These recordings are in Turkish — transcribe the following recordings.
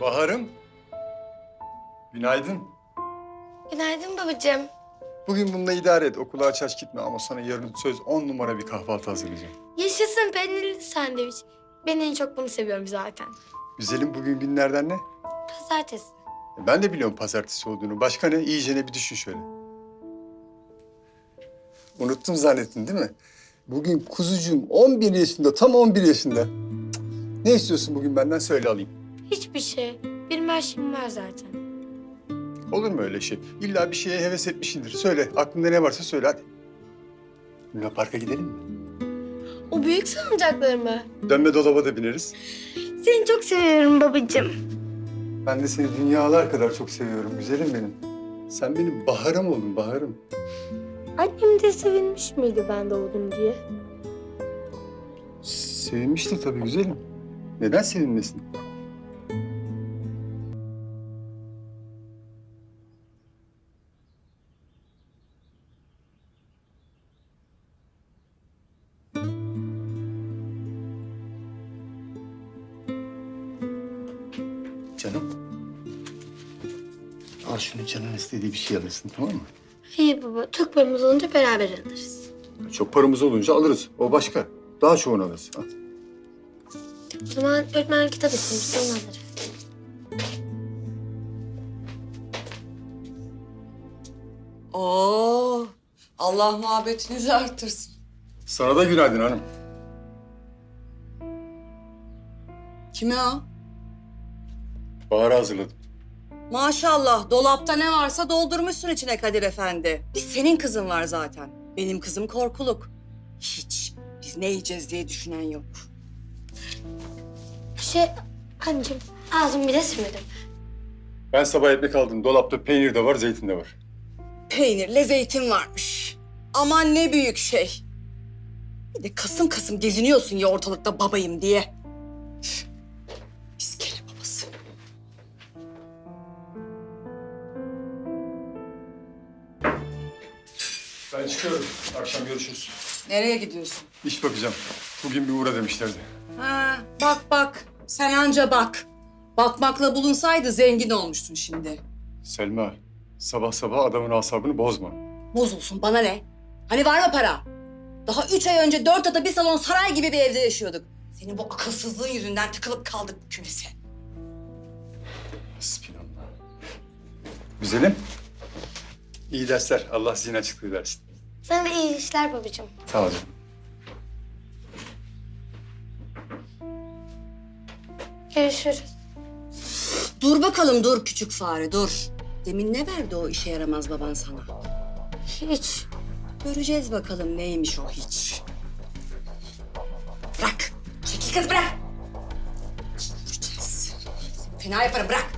Bahar'ım. Günaydın. Günaydın babacığım. Bugün bununla idare et. Okula aç aç gitme ama sana yarın söz 10 numara bir kahvaltı hazırlayacağım. Yaşasın peynirli sandviç. Ben en çok bunu seviyorum zaten. Güzelim bugün günlerden ne? Pazartesi. Ben de biliyorum pazartesi olduğunu. Başka ne? İyicene bir düşün şöyle. Unuttum zannettin değil mi? Bugün kuzucuğum 11 yaşında, tam 11 yaşında. Cık. Ne istiyorsun bugün benden söyle alayım. Hiçbir şey. Benim her şeyim var zaten. Olur mu öyle şey? İlla bir şeye heves etmişsindir. Söyle, aklında ne varsa söyle hadi. Luna Park'a gidelim mi? O büyük salıncaklar mı? Dönme dolaba da bineriz. Seni çok seviyorum babacığım. Ben de seni dünyalar kadar çok seviyorum güzelim benim. Sen benim baharım oldun, baharım. Annem de sevinmiş miydi ben doğdum diye? Sevinmiştir tabii güzelim. Neden sevinmesin? Canım. Al şunu, canın istediği bir şey alırsın, tamam mı? İyi baba. Çok paramız olunca beraber alırız. Çok paramız olunca alırız. O başka. Daha çoğunu alırız. Al. O zaman öğretmen kitap istemişti, onu alırız. Oo, Allah muhabbetinizi artırsın. Sana da günaydın hanım. Kime o? Bahar'ı hazırladım. Maşallah, dolapta ne varsa doldurmuşsun içine Kadir Efendi. Bir senin kızın var zaten. Benim kızım korkuluk. Hiç. Biz ne yiyeceğiz diye düşünen yok. Anneciğim ağzımı bile silmedim. Ben sabah ekmek aldım. Dolapta peynir de var, zeytin de var. Peynirle zeytin varmış. Aman ne büyük şey. Bir de kasım kasım geziniyorsun ya ortalıkta babayım diye. İskele babası. Ben çıkıyorum. Akşam görüşürüz. Nereye gidiyorsun? İş bakacağım. Bugün bir uğra demişlerdi. Ha, bak bak. Sen anca bak. Bakmakla bulunsaydı zengin olmuştun şimdi. Selma, sabah sabah adamın asabını bozma. Bozulsun bana ne? Hani var mı para? Daha 3 ay önce 4 oda bir salon saray gibi bir evde yaşıyorduk. Senin bu akılsızlığın yüzünden tıkılıp kaldık bu kümese. Bismillah. Güzelim. İyi dersler. Allah zihin açıklığı versin. Sana da iyi işler babacığım. Sağ ol canım. Görüşürüz. Dur bakalım dur küçük fare dur. Demin ne verdi o işe yaramaz baban sana? Hiç. Göreceğiz bakalım neymiş o hiç. Bırak. Çekil kız bırak. Göreceğiz. Fena yaparım bırak.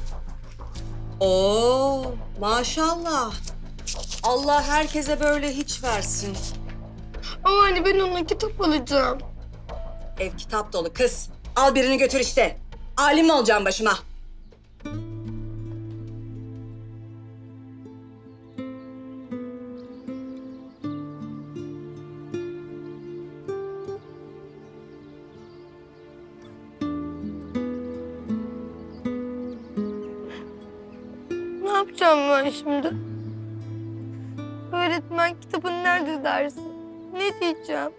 Oo maşallah. Allah herkese böyle hiç versin. Ama anne ben ona kitap alacağım. Ev kitap dolu kız. Al birini götür işte. Alim mi olacağım başıma? Ne yapacağım ben şimdi? Öğretmen kitabın nerede dersin? Ne diyeceğim?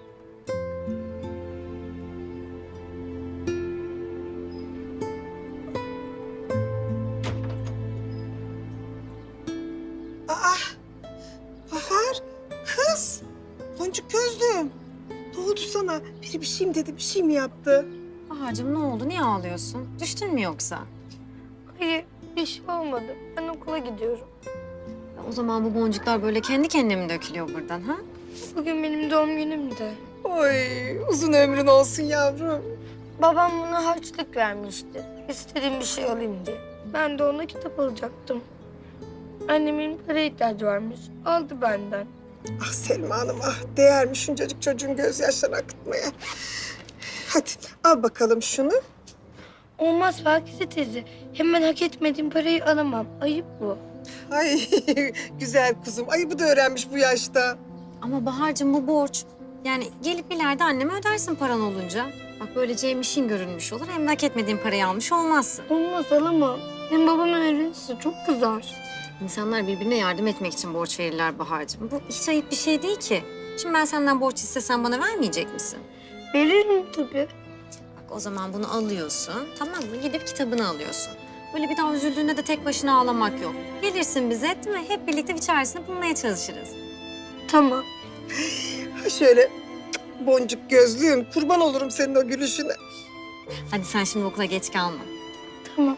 Bahar, kız. Boncuk gözlüm. Ne oldu sana? Biri bir şey mi dedi, bir şey mi yaptı? Bahar'cığım ne oldu? Niye ağlıyorsun? Düştün mü yoksa? Hayır, bir şey olmadı. Ben okula gidiyorum. Ya o zaman bu boncuklar böyle kendi kendine mi dökülüyor buradan ha? Bugün benim doğum günümdü. Oy, uzun ömrün olsun yavrum. Babam bana harçlık vermişti. İstediğim bir şey alayım diye. Ben de ona kitap alacaktım. Annemin para ihtiyacı varmış. Aldı benden. Ah Selma Hanım, ah değermiş şuncacık çocuğun gözyaşlarını akıtmaya. Hadi al bakalım şunu. Olmaz Pakize teyze. Hemen hak etmediğim parayı alamam. Ayıp bu. Ay güzel kuzum, ayıbı da öğrenmiş bu yaşta. Ama Bahar'cığım bu borç. Yani gelip ileride anneme ödersin paran olunca. Bak böylece hem işin görülmüş olur hem de hak etmediğin parayı almış olmazsın. Olmaz alamam. Hem babam öğrenirse çok kızar. İnsanlar birbirine yardım etmek için borç verirler Bahar'cığım. Bu hiç ayıp bir şey değil ki. Şimdi ben senden borç istesem bana vermeyecek misin? Veririm tabii. Bak o zaman bunu alıyorsun, tamam mı? Gidip kitabını alıyorsun. Böyle bir daha üzüldüğünde de tek başına ağlamak yok. Gelirsin bize, değil mi? Hep birlikte bir çaresini bulmaya çalışırız. Tamam. Ha şöyle boncuk gözlüğüm, kurban olurum senin o gülüşüne. Hadi sen şimdi okula geç kalma. Tamam.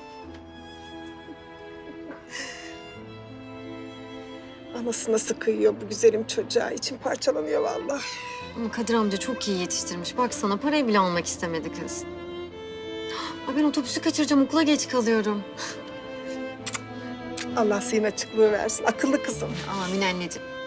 Anası nasıl kıyıyor bu güzelim çocuğa. İçim parçalanıyor vallahi. Ama Kadir amca çok iyi yetiştirmiş. Baksana parayı bile almak istemedi kız. Ay ben otobüsü kaçıracağım, okula geç kalıyorum. Allah senin açıklığı versin. Akıllı kızım. Amin anneciğim.